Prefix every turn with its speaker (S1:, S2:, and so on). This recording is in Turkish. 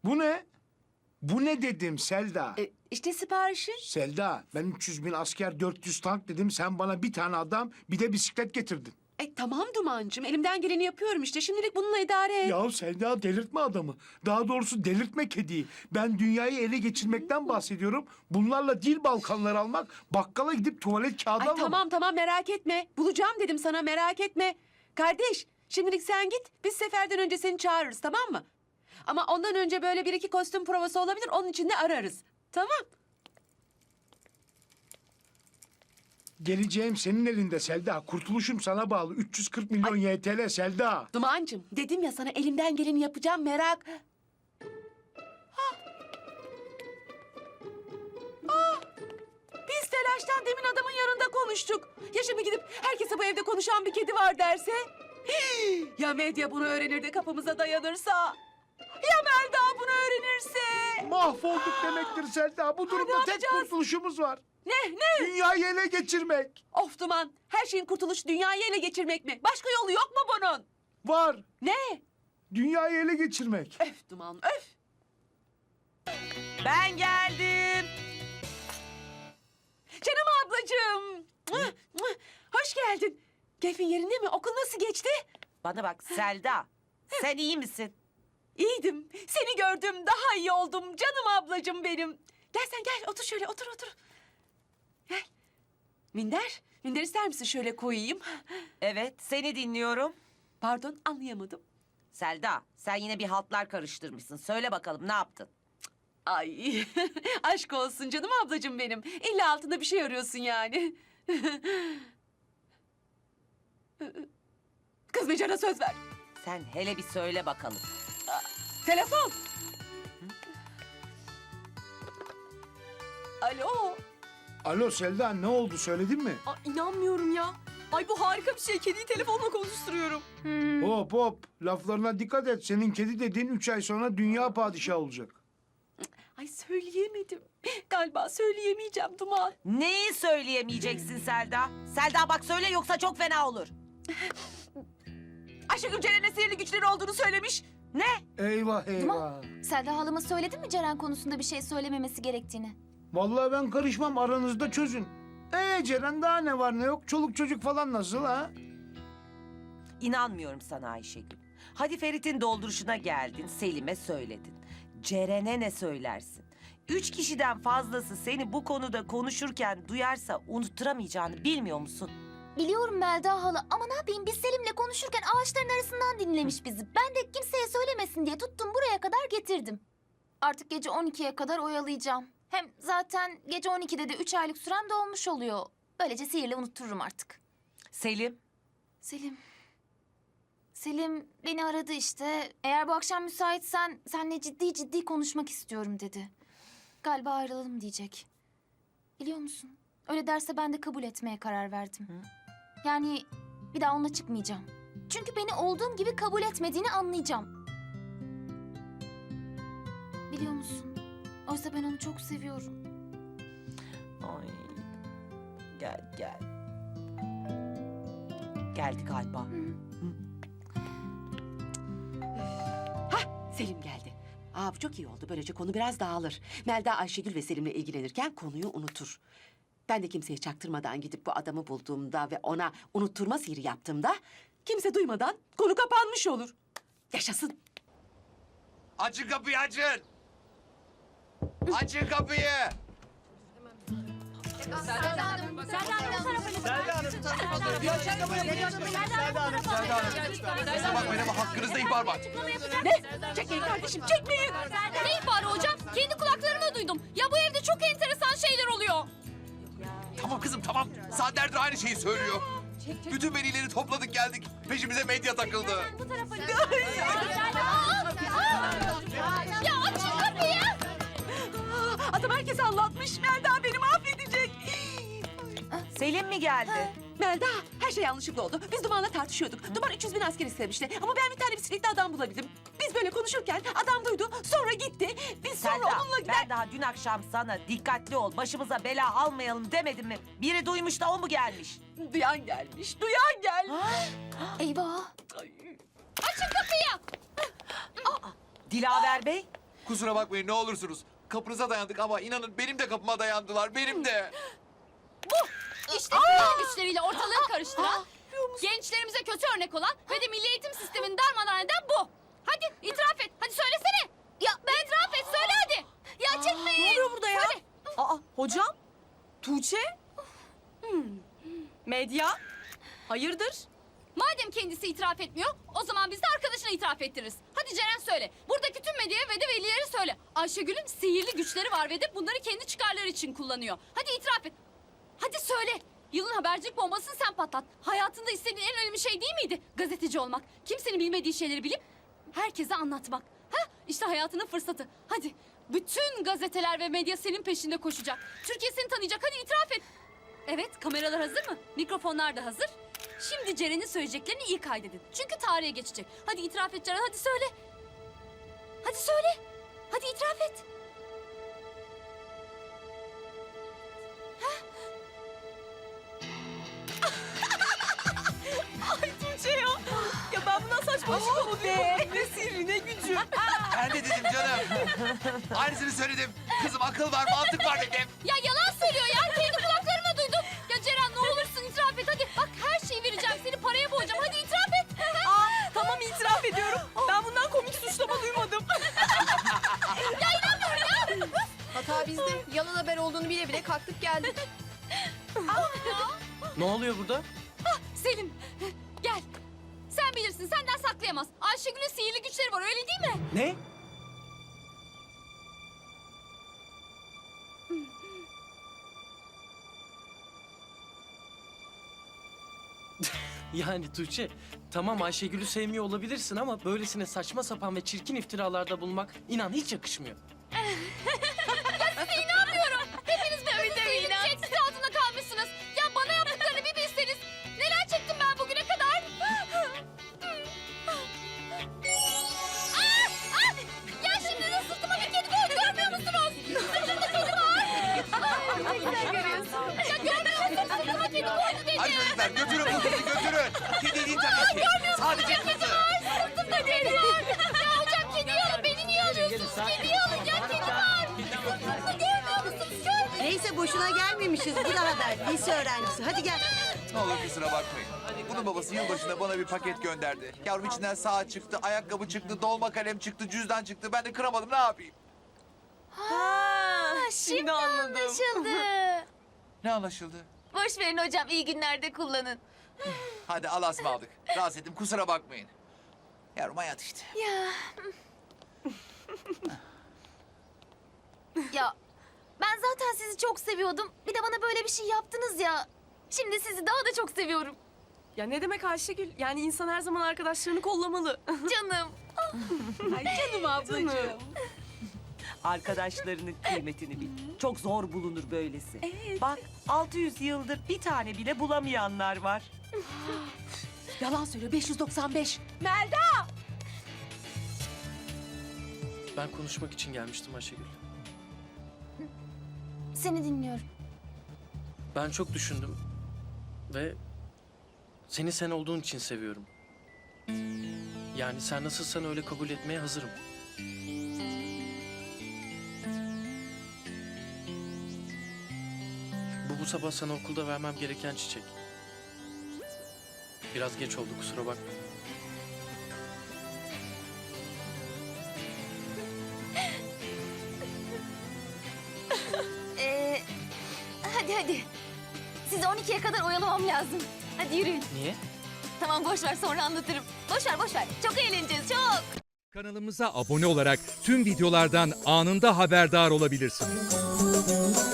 S1: Bu ne? Bu ne dedim Selda?
S2: İşte siparişi.
S1: Selda, ben 300 bin asker, 400 tank dedim. Sen bana bir tane adam, bir de bisiklet getirdin.
S2: Tamam Duman'cığım. Elimden geleni yapıyorum işte. Şimdilik bununla idare et.
S1: Ya Selda, delirtme adamı. Daha doğrusu delirtme kediyi. Ben dünyayı ele geçirmekten bahsediyorum. Bunlarla dil balkanları almak, bakkala gidip tuvalet kağıdı
S2: Ay
S1: almak.
S2: tamam merak etme. Bulacağım dedim sana, merak etme. Kardeş, şimdilik sen git. Biz seferden önce seni çağırırız, tamam mı? Ama ondan önce böyle bir iki kostüm provası olabilir. Onun için de ararız. Tamam.
S1: Geleceğim senin elinde Selda. Kurtuluşum sana bağlı. 340 milyon YTL Selda.
S2: Duman'cığım, dedim ya sana, elimden geleni yapacağım, merak... Biz telaştan demin adamın yanında konuştuk. Ya şimdi gidip herkese bu evde konuşan bir kedi var derse? Ya medya bunu öğrenir de kapımıza dayanırsa? Ya Melda bunu öğrenirse?
S1: Mahvolduk demektir Selda. Bu durumda tek
S2: yapacağız?
S1: kurtuluşumuz var.
S2: Ne?
S1: Dünyayı ele geçirmek.
S2: Of Duman, her şeyin kurtuluşu dünyayı ele geçirmek mi? Başka yolu yok mu bunun?
S1: Var.
S2: Ne?
S1: Dünyayı ele geçirmek.
S2: Öf Duman, öf.
S3: Ben geldim.
S2: Canım ablacığım. Hoş geldin. Keyfin yerinde mi? Okul nasıl geçti?
S3: Bana bak Selda. Sen iyi misin?
S2: İyiydim. Seni gördüm, daha iyi oldum. Canım ablacığım benim. Gel sen gel, otur şöyle, otur. Gel. Minder ister misin şöyle koyayım?
S3: Evet, seni dinliyorum.
S2: Pardon, anlayamadım.
S3: Selda, sen yine bir haltlar karıştırmışsın. Söyle bakalım ne yaptın?
S2: Ay, aşk olsun canım ablacığım benim. İlla altında bir şey arıyorsun yani. Kızmayacağına söz ver.
S3: Sen hele bir söyle bakalım.
S2: Telefon. Alo.
S1: Alo Selda, ne oldu söyledin mi?
S4: İnanmıyorum ya. Ay bu harika bir şey. Kediyi telefonla konuşturuyorum.
S1: Hop hop, laflarına dikkat et. Senin kedi dediğin 3 ay sonra dünya padişahı olacak.
S2: Ay söyleyemedim. Galiba söyleyemeyeceğim Duman.
S3: Neyi söyleyemeyeceksin Selda? Selda bak söyle yoksa çok fena olur.
S2: Ayşegül Ceren'e sihirli güçleri olduğunu söylemiş.
S3: Ne?
S1: Eyvah eyvah.
S5: Duman, Selda halama söyledin mi Ceren konusunda bir şey söylememesi gerektiğini?
S1: Vallahi ben karışmam, aranızda çözün. Ceren, daha ne var ne yok? Çoluk çocuk falan nasıl ha?
S3: İnanmıyorum sana Ayşegül. Hadi Ferit'in dolduruşuna geldin, Selim'e söyledin. Ceren'e ne söylersin? 3 kişiden fazlası seni bu konuda konuşurken duyarsa unutturamayacağını bilmiyor musun?
S5: Biliyorum Melda hala ama ne yapayım biz Selim'le konuşurken ağaçların arasından dinlemiş bizi. Ben de kimseye söylemesin diye tuttum buraya kadar getirdim. Artık gece 12'ye kadar oyalayacağım. Hem zaten gece 12'de de 3 aylık sürem dolmuş oluyor. Böylece sihirle unuttururum artık.
S3: Selim,
S5: Selim beni aradı işte. Eğer bu akşam müsaitsen seninle ciddi konuşmak istiyorum dedi. Galiba ayrılalım diyecek. Biliyor musun? Öyle derse ben de kabul etmeye karar verdim. Yani bir daha onunla çıkmayacağım. Çünkü beni olduğum gibi kabul etmediğini anlayacağım. Biliyor musun? Oysa ben onu çok seviyorum.
S3: ay gel. Geldi galiba.
S2: Selim geldi. Bu çok iyi oldu. Böylece konu biraz dağılır. Melda Ayşegül ve Selim'le ilgilenirken konuyu unutur. Ben de kimseye çaktırmadan gidip bu adamı bulduğumda ve ona unutturma sihiri yaptığımda kimse duymadan konu kapanmış olur. Yaşasın.
S6: Açın kapıyı açın. Açın kapıyı. Size bakmayın ama hakkınızda ihbar var.
S2: Ne? Çekmeyin kardeşim, çekmeyin.
S4: Ne ihbarı hocam? Kendi kulaklarımla duydum. Ya bu evde çok enteresan şeyler oluyor.
S6: Tamam kızım tamam. Saatlerdir aynı şeyi söylüyor. Bütün velileri topladık geldik. Peşimize medya takıldı.
S4: Ya açın kapıyı.
S2: Adam herkese anlatmış. Melda beni mahvedecek.
S3: Selim mi geldi?
S2: Melda, her şey yanlışlıkla oldu. Biz Duman'la tartışıyorduk. Duman 300 bin asker istemişti. Ama ben bir tane bisikletli adam bulabildim. Biz böyle konuşurken adam duydu. Sonra gitti. Biz sonra
S3: Selda,
S2: onunla gider...
S3: ben daha dün akşam sana dikkatli ol, başımıza bela almayalım demedim mi? Biri duymuş da o mu gelmiş?
S2: Duyan gelmiş. Duyan gelmiş.
S5: Eyvah!
S2: Ay.
S4: Açın kapıyı.
S3: Dilaver Bey,
S6: Kusura bakmayın ne olursunuz. Kapınıza dayandık ama inanın benim de kapıma dayandılar. Benim de.
S4: İşte sihirli güçleriyle ortalığı karıştıran, gençlerimize kötü örnek olan ve de milli eğitim sistemini darmadağın eden bu. Hadi itiraf et. Hadi söylesene. Ya ben itiraf et. Söyle hadi. Ya çekmeyin.
S3: Ne oluyor burada ya?
S4: Söyle.
S7: Aa hocam? Tuğçe? Medya? Hayırdır?
S4: Madem kendisi itiraf etmiyor, o zaman biz de arkadaşına itiraf ettiririz. Hadi Ceren söyle. Buradaki tüm medyaya ve de velilere söyle. Ayşegül'ün sihirli güçleri var ve de bunları kendi çıkarları için kullanıyor. Hadi itiraf et. Hadi söyle. Yılın habercilik bombasını sen patlat. Hayatında istediğin en önemli şey değil miydi? Gazeteci olmak. Kimsenin bilmediği şeyleri bilip herkese anlatmak. Ha? İşte hayatının fırsatı. Hadi. Bütün gazeteler ve medya senin peşinde koşacak. Türkiye seni tanıyacak. Hadi itiraf et. Evet, kameralar hazır mı? Mikrofonlar da hazır. Şimdi Ceren'in söyleyeceklerini iyi kaydedin. Çünkü tarihe geçecek. Hadi itiraf et Ceren, hadi söyle. Hadi söyle. Hadi itiraf et.
S7: Ay Tuğçe ya. Ya ben bundan saçma şey oluyor. Ne sihri ne gücü.
S6: Ben de dedim canım. Aynısını söyledim. Kızım akıl var mantık var dedim.
S4: Ya yalan söylüyor ya. Kendi kulaklarımla duydum. Ya Ceren ne olursun itiraf et hadi. Bak her şeyi vereceğim. Seni paraya boğacağım. Hadi itiraf et.
S7: Aa, tamam itiraf ediyorum. Ben bundan komik suçlama duymadım.
S8: Hata bizde. Yalan haber olduğunu bile bile kalktık geldik.
S9: Ne oluyor burada?
S4: Selim gel. Sen bilirsin senden saklayamaz. Ayşegül'ün sihirli güçleri var öyle değil mi?
S9: Ne? Yani Tuğçe, tamam Ayşegül'ü sevmiyor olabilirsin ama böylesine saçma sapan ve çirkin iftiralarda bulunmak inan hiç yakışmıyor.
S4: Hepiniz böyle sihirli güç etkisi altında kalmışsınız. Ya bana yaptıklarını bir bilseniz. Neler çektim ben bugüne kadar. Ya şimdi de sırtıma bir kedi koydu görmüyor musunuz? Sırtımda kedi var. Sen görüyorsun. Ya görmüyor musun? Sırtıma kedi koydu dedi.
S6: Hadi çocuklar götürün bu kızı götürün. Kedi değil tabii ki. Sadece kızı.
S4: Sırtımda kedi var. Ya hocam kediyi alın beni niye alıyorsunuz? Kediyi alın ya kedi var. Görmüyor musunuz?
S10: Neyse boşuna gelmemişiz. Bu da haber. Lise öğrencisi. Hadi gel.
S6: Ne olur kusura bakmayın. Bunun babası yılbaşında bana bir paket gönderdi. Yavrum içinden saat çıktı, ayakkabı çıktı, dolma kalem çıktı, cüzdan çıktı. Ben de kıramadım ne yapayım?
S7: Ha, şimdi anladım.
S6: Ne anlaşıldı?
S8: Boş verin hocam. İyi günlerde kullanın.
S6: Hadi Allah'a ısmarladık. Rahatsız ettim kusura bakmayın. Yavrum hayat işte.
S5: Ya ben zaten sizi çok seviyordum. Bir de bana böyle bir şey yaptınız ya. Şimdi sizi daha da çok seviyorum.
S7: Ya ne demek Ayşegül? Yani insan her zaman arkadaşlarını kollamalı.
S5: Canım.
S7: Canım ablacığım.
S3: Arkadaşlarının kıymetini bil. Çok zor bulunur böylesi. Bak 600 yıldır bir tane bile bulamayanlar var.
S2: Yalan söylüyor 595.
S9: Ben konuşmak için gelmiştim Ayşegül.
S5: Seni dinliyorum.
S9: Ben çok düşündüm ve seni sen olduğun için seviyorum. Yani sen nasılsan öyle kabul etmeye hazırım. Bu sabah sana okulda vermem gereken çiçek. Biraz geç oldu kusura bakma.
S5: Hadi. Sizi 12'ye kadar oyalamam lazım. Hadi yürüyün.
S9: Niye?
S5: Tamam boş ver sonra anlatırım. Boş ver. Çok eğleneceğiz çok.
S11: Kanalımıza abone olarak tüm videolardan anında haberdar olabilirsiniz.